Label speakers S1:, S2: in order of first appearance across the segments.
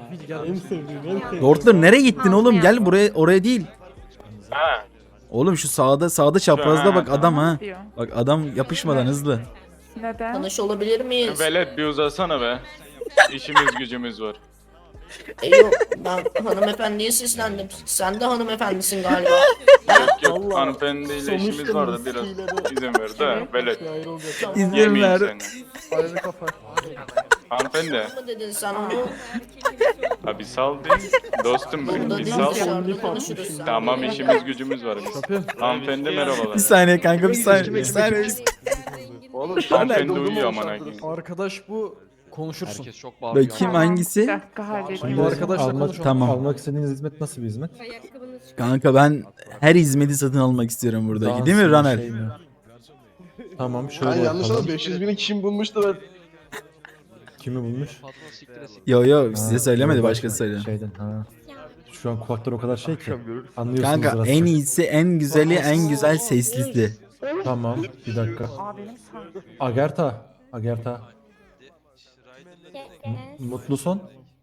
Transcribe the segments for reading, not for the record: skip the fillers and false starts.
S1: En sevdiğim, en sevdiğim.
S2: Dortler nereye gittin oğlum? Gel buraya, oraya değil.
S3: Ha.
S2: Oğlum şu sağda çaprazda bak adam ha.
S4: Diyor.
S2: Bak adam yapışmadan hızlı.
S4: Neden?
S5: Tanış olabilir miyiz?
S3: Velet bir uzasana be. İşimiz gücümüz var.
S5: Yok ben hanımefendiye seslendim. Sen de hanımefendisin galiba.
S3: Yok
S1: Allah.
S3: hanımefendiyle işimiz
S1: Sonuçta
S3: var da biraz
S1: miskiyle
S3: izin ver de Velet.
S1: Ayrı olacak.
S2: İzin
S3: Yemeyeyim
S2: ver.
S3: seni.
S1: Ayrı kafa.
S3: Hanımefendi.
S5: mı dedin sen onu?
S3: Ha bir sal değil. Dostum
S5: Burada
S3: bir
S5: değil
S3: sal.
S5: dışarıda konuşuruz sen.
S3: Tamam işimiz gücümüz var biz. Hanımefendi merhabalar.
S2: Bir saniye kanka bir saniye. Bir saniye.
S1: Oğlum
S3: Hanımefendi uyuyor aman akıyım.
S1: arkadaş bu konuşursun.
S6: Herkes çok bağırıyor.
S2: Bakayım
S4: Tamam,
S2: hangisi?
S4: Bir dakika halledeyim.
S1: Bu arkadaşla konuşalım.
S2: Tamam.
S7: Almak istediğiniz hizmet nasıl bir hizmet?
S2: Kanka ben her hizmeti satın almak istiyorum buradaki.
S7: Dans
S2: Değil mi
S7: mı,
S2: Ranel?
S7: şey mi? Tamam şöyle
S1: Ben yanlış
S7: yapalım.
S1: anladım. 500 bini kim bulmuştu ben?
S7: Kimi bulmuş?
S6: Patron siktir etsin.
S2: Yo size
S7: Ha,
S2: söylemedi
S7: yok,
S2: başkası söyledi.
S7: Şeyden ha. Şu an kulaklar o kadar şey ki. Anlıyorsunuz
S2: Kanka
S7: biraz.
S2: en iyisi, en güzeli, en güzel seslisi.
S7: Tamam bir dakika.
S4: Aa benim sandım.
S7: Agerta. Mutlu son.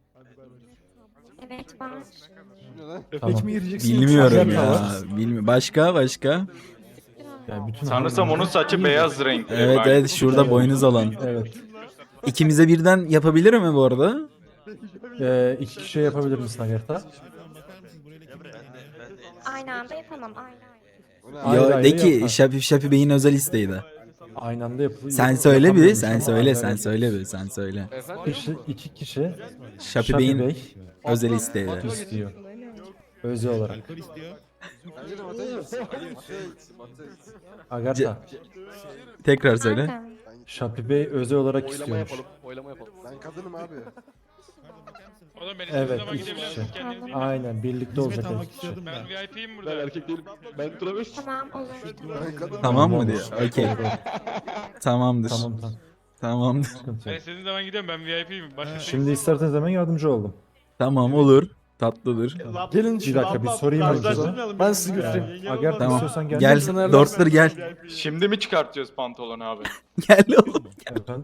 S8: Evet var.
S7: Tamam.
S2: Bilmiyorum
S7: Agerta
S2: ya.
S7: var.
S2: Başka?
S7: Yani bütün
S3: Sanırsam onun saçı beyaz renkli.
S2: Evet
S3: Bak.
S2: evet şurada boynuz olan.
S7: Evet.
S2: İkimize birden yapabilir mi bu arada?
S7: 2 kişi yapabilir misin Agerta?
S8: Aynı anda yapamam. Aynı anda.
S7: Ayrı
S2: Yo
S7: ayrı
S2: de ki
S7: yapar.
S2: Şapi Bey'in özel isteğiydi.
S7: Aynı anda yapılır.
S2: Sen söyle bir,
S7: Yapamıyormuş
S2: sen
S7: ama
S2: söyle,
S7: ayrı
S2: sen
S7: ayrı.
S2: söyle bir, sen söyle.
S6: Efendim?
S7: İki kişi
S2: Şapi Bey'in
S7: Bey
S2: özel isteği.
S7: istiyor. Özel olarak. Agerta.
S2: Tekrar söyle.
S8: Aynen.
S7: Şapi Bey özel olarak
S6: Oylama
S7: istiyormuş.
S6: yapalım. Oylama yapalım.
S9: Ben kadınım abi.
S7: Evet, iki kişi. Aynen, birlikte olacak iki kişi.
S10: Ben VIP'yim burada.
S1: Ben erkek değilim. Ben travesti.
S8: Tamam olur.
S9: Ben kadınım.
S2: Tamam mı diyor? Okey. Tamamdır.
S7: Tamam.
S2: Tamamdır.
S7: Sıkıntı
S10: Ben
S7: yok.
S10: istediğin zaman gidiyorum ben VIP'yim. Başka
S7: Şimdi isterseniz hemen yardımcı oldum.
S2: Tamam olur. Tatlıdır.
S1: Gelin
S7: Bir dakika bir sorayım önce.
S1: Ben sizi götüreyim.
S7: Agerta
S2: Tamam.
S7: istiyorsan gel.
S2: Gel. Dortler gel.
S3: Şimdi mi çıkartıyoruz pantolonu abi?
S2: Gel oğlum.
S7: Efendim?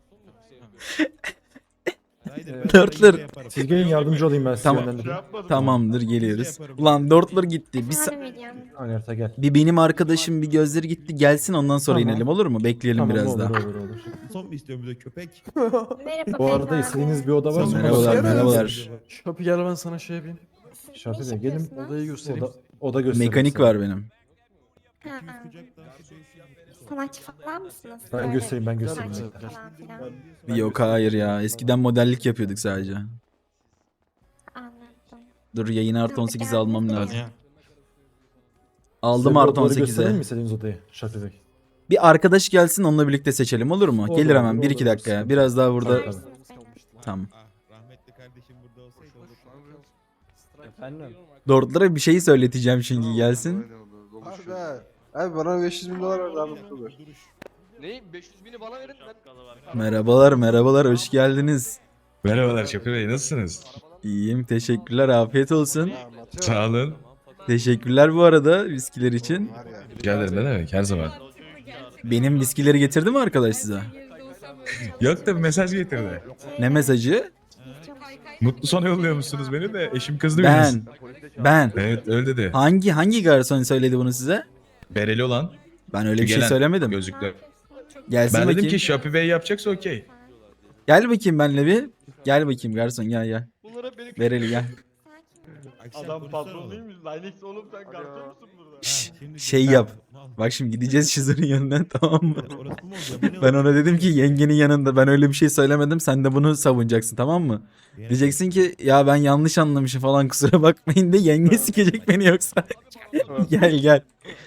S2: Dortler.
S7: Siz gelin yardımcı olayım ben size
S2: Tamam.
S7: yönlendireyim.
S2: Tamamdır geliyoruz. Ulan Dortler gitti.
S8: Yardım edeceğim.
S7: Agerta gel.
S2: Bir benim arkadaşım bir gözleri gitti. Gelsin ondan sonra
S7: Tamam.
S2: inelim olur mu? Bekleyelim
S7: Tamam,
S2: biraz
S7: olur,
S2: daha.
S7: olur.
S11: Son mu istiyorum bir de köpek?
S8: Merhaba
S7: Bu arada
S8: beyefendi.
S7: istediğiniz bir oda var mı?
S2: Merhabalar, merhabalar.
S1: Şapı gel ben sana şey yapayım.
S7: Şafi Bey gelin.
S1: Odayı göstereyim.
S7: Oda göstereyim.
S2: Mekanik
S7: size.
S2: var benim.
S8: Ha. Sanatçı falan mısınız?
S7: Ben
S8: Böyle
S7: göstereyim, ben göstereyim.
S8: sanatçı
S7: Bekle.
S8: falan filan.
S2: Yok hayır ya. Eskiden modellik yapıyorduk sadece.
S8: Anladım.
S2: Dur yayını artı 18'e almam lazım.
S7: Size
S2: Aldım
S7: bir
S2: artı
S7: odaları göstereyim
S2: 18'e.
S7: mi istediğiniz odayı Şafi Bey?
S2: Bir arkadaş gelsin onunla birlikte seçelim olur mu?
S7: Olur,
S2: Gelir hemen
S7: olur,
S2: 1-2
S7: olur.
S2: dakikaya. Biraz daha burada.
S7: Tabii.
S2: Tamam.
S11: Rahmetli kardeşim burada olsa şey olur.
S1: Efendim?
S2: Dortlara bir şey söyleteceğim şimdi gelsin.
S9: Abi bana 500 bin dolar ver abi.
S6: Ne? 500 bini bana verin. Ben...
S2: Merhabalar hoş geldiniz.
S11: Merhabalar Şapir Bey nasılsınız?
S2: İyiyim teşekkürler afiyet olsun.
S11: Sağ olun.
S2: Teşekkürler bu arada viskiler için.
S11: Rica ederim ne demek her zaman.
S2: Benim viskileri getirdi mi arkadaş size?
S11: Yok da bir mesaj getirdi.
S2: Ne mesajı?
S11: Mutlu sona yolluyor musunuz beni de eşim kızdı biraz.
S2: Ben.
S11: Evet öyle dedi.
S2: Hangi garson söyledi bunu size?
S11: Bereli olan.
S2: Ben öyle bir şey
S11: Gelen
S2: söylemedim.
S11: Gözlüklü.
S2: Gelsin
S11: Ben
S2: bakayım.
S11: dedim ki Şapir Bey yapacaksa okey.
S2: Gel bakayım benimle bir. Gel bakayım garson gel. Bereli gel.
S1: Adam patron değil mi? Linux oğlum sen garson musun burada?
S2: Şş, şey yap. Bak şimdi gideceğiz Şizur'un yanına tamam mı? Ben ona dedim ki yengenin yanında ben öyle bir şey söylemedim sen de bunu savunacaksın tamam mı? Diyeceksin ki ya ben yanlış anlamışım falan kusura bakmayın de yenge sikecek beni yoksa. Gel.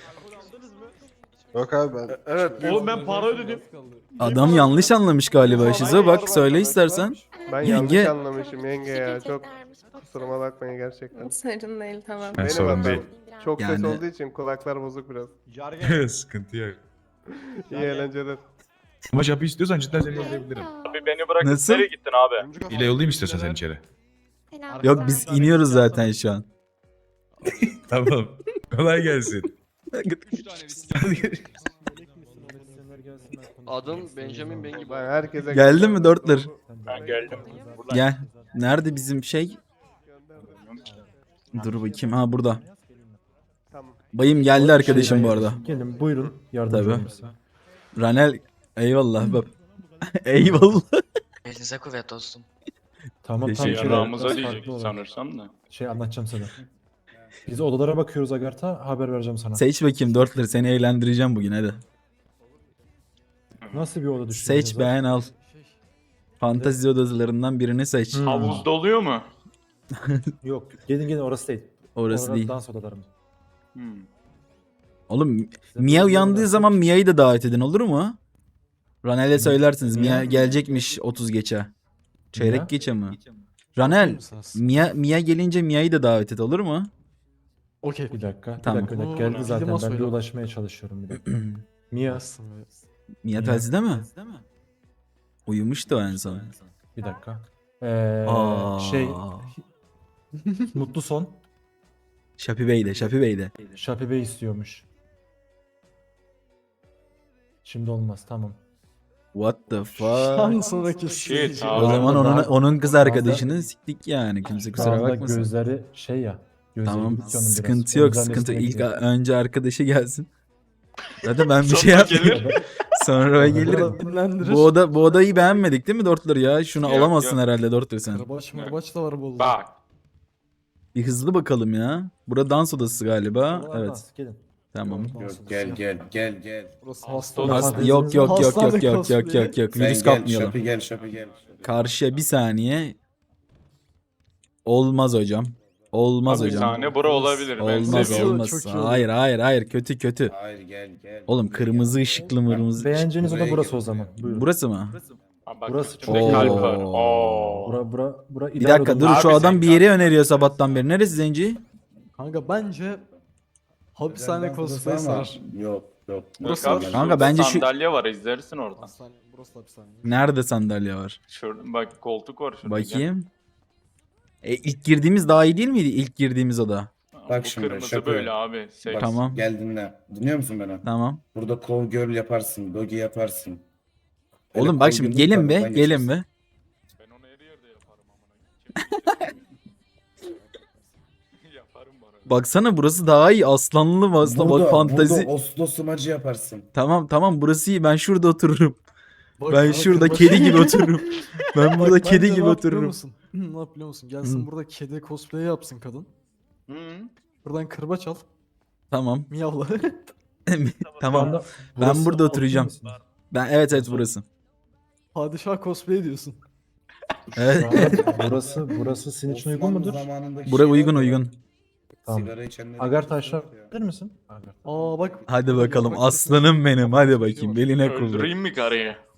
S9: Yok abi ben.
S1: Evet. Oğlum ben para ödedim.
S2: Adam yanlış anlamış galiba Şizo bak söyle istersen.
S12: Ben
S2: Yenge.
S12: yanlış anlamışım yenge ya. Çok
S8: Teşekkürlermiş.
S12: kusuruma bakmayın gerçekten.
S8: Sorun değil tamam.
S11: Ha,
S12: Benim
S11: sorun
S12: hatam.
S11: değil.
S12: Çok ses
S2: Yani-
S12: olduğu için kulaklar bozuk biraz.
S11: Sıkıntı yok.
S12: İyi eğlenceler.
S11: Ama Şapir istiyorsan cidden seni yollayabilirim.
S3: Abi beni bırakıp
S2: Nasıl?
S3: nereye gittin abi?
S11: İle yollayayım istiyorsan sen içeri.
S8: Selam.
S2: Yok biz iniyoruz zaten şu an.
S11: Tamam. Kolay gelsin.
S6: Adım Benjamin Bengi.
S12: Ben herkese...
S2: Geldin mi Dörtler?
S3: Ben geldim.
S2: Gel. Nerede bizim şey? Dur bakayım. Ha burada.
S12: Tamam.
S2: Bayım geldi arkadaşım bu arada.
S7: Gelin buyurun. Yardımcı
S2: Tabii.
S7: olun size.
S2: Ranel eyvallah bab. Eyvallah.
S6: Elinize kuvvet dostum.
S7: Tamam
S2: Teşekkür
S7: tamam.
S2: ederim.
S3: Ramıza
S7: Biraz
S3: diyecek
S7: farklı olur.
S3: sanırsam da.
S7: Şey anlatacağım sana. Biz odalara bakıyoruz Agartha. Haber vereceğim sana.
S2: Seç bakayım 4'leri seni eğlendireceğim bugün hadi.
S7: Nasıl bir oda düşündünüz?
S2: Seç beğen al. Fantezi odalarından birini seç.
S3: Havuz doluyor mu?
S7: Yok. Gelin orası değil.
S2: Orası
S7: Orada
S2: değil.
S7: dans odalarımız.
S3: Hmm.
S2: Oğlum Mia uyandığı zaman Mia'yı da davet edin olur mu? Ranel'e söylersiniz. Mia gelecekmiş 30 geçe. Çeyrek
S7: Mia?
S2: geçe mi? Ranel, Mia gelince Mia'yı da davet et olur mu?
S9: Okey.
S7: Bir dakika.
S2: Tamam.
S7: Bir dakika. Geldi
S9: Bildim
S7: zaten. Ben
S9: aslında.
S7: bir ulaşmaya çalışıyorum bir dakika. Mia.
S2: Mia telsizde mi? Uyumuştu o en son.
S7: Bir dakika.
S2: Aa.
S7: Şey. Mutlu son.
S2: Şapi Bey de, Şapi Bey de.
S7: Şapi Bey istiyormuş. Şimdi olmaz. Tamam.
S2: What the fuck?
S9: Sonraki
S3: Shit
S2: O
S3: abi.
S2: zaman
S7: Daha-
S2: onun kız arkadaşını siktik yani. Kimse
S7: Şu
S2: kusura
S7: anda
S2: bakmasın.
S7: gözleri şey ya. Gözleri
S2: Tamam,
S7: gidik onun biraz.
S2: sıkıntı
S7: O
S2: yok,
S7: yüzden
S2: sıkıntı.
S7: desteğe
S2: İlk
S7: gidiyor.
S2: önce arkadaşı gelsin. Zaten ben bir
S3: Sonra
S2: şey yapmayayım.
S3: gelir.
S2: Sonra o gelir.
S9: dinlendirir.
S2: Bu odayı beğenmedik değil mi Dortler ya? Şunu
S3: Yok,
S2: alamazsın
S3: yok.
S2: herhalde Dortler sen.
S9: Karabaş marbaç da var bu.
S3: Bak.
S2: Bir hızlı bakalım ya. Burada dans odası galiba.
S7: Oralar
S2: Evet.
S7: dans, Gelin.
S2: Tamam.
S12: Gel.
S9: Burası
S3: Hasta
S9: hasta.
S2: Hasta,
S7: Fanteziniz
S2: yok yok yok yok
S9: Hastane
S2: yok yok
S9: cosplay.
S2: yok yok. Virüs kapmayalım.
S12: gel.
S2: Karşıya bir saniye. Olmaz hocam. Olmaz
S3: Abi bir
S2: hocam.
S3: saniye bura olabilir. Ben
S2: Olmaz
S3: seviyorum.
S2: olmaz.
S9: Çok iyi
S2: Hayır hayır hayır kötü kötü.
S12: Hayır gel.
S2: Oğlum kırmızı ışıklı mırmızı.
S7: Beğeneceğiniz oda burası o zaman. Buyurun.
S2: Burası mı?
S3: Ha, bak,
S7: Burası
S3: üstünde
S2: çok-
S3: kalp var.
S2: Oo.
S3: Oo.
S7: Bura
S2: Bir
S7: ideal
S2: dakika dur
S7: odamız.
S2: şu
S3: Abi
S2: adam
S3: sen
S2: bir yeri öneriyor sabahtan beri. Neresi Zenci?
S9: Kanka bence hapishane cosplay sar.
S12: Yok.
S9: Burası
S3: Bak
S9: var.
S3: abi,
S2: Kanka bence şu-
S3: sandalye var izlersin oradan.
S9: Hastane, burası da hapishane.
S2: Nerede sandalye var?
S3: Şurada bak koltuk var şurada.
S2: Bakayım. İlk girdiğimiz daha iyi değil miydi? İlk girdiğimiz oda.
S3: Bak şimdi kırmızı böyle abi. Sev.
S2: Tamam.
S12: Gel dinle. Dinliyor musun beni?
S2: Tamam.
S12: Burada call girl yaparsın. Doggy yaparsın.
S2: Oğlum bak şimdi gelin be. Gelin be.
S3: Ben onu her yerde yaparım amına. Yaparım bana.
S2: Baksana burası daha iyi. Aslanlı bak fantazi.
S12: Burada Oslo smacı yaparsın.
S2: Tamam burası iyi. Ben şurada otururum.
S9: Bak,
S2: Ben
S9: bak,
S2: şurada
S9: bak.
S2: kedi gibi otururum. Ben burada
S9: Bak,
S2: kedi
S9: bence
S2: gibi
S9: ne yap biliyor
S2: otururum.
S9: musun? Ne yap biliyor musun? Gelsin
S2: Hı.
S9: burada kedi cosplay yapsın kadın.
S3: Hı.
S9: Buradan kırbaç al.
S2: Tamam.
S9: Miyavla.
S7: Şu
S2: Tamam.
S7: anda
S2: Ben
S7: burası
S2: burada
S7: okey
S2: oturacağım.
S7: misiniz?
S2: Evet burası.
S9: Padişah cosplay diyorsun.
S2: Evet.
S7: Burası senin için uygun mudur?
S2: Bura uygun.
S7: Tamam.
S12: Sigara içenleri...
S7: Agartha aşağı bilir misin? Agartha.
S9: Aa bak.
S2: Hadi bakalım aslanım benim. Hadi bakayım beline kullan.
S3: Öldüreyim mi karıyı?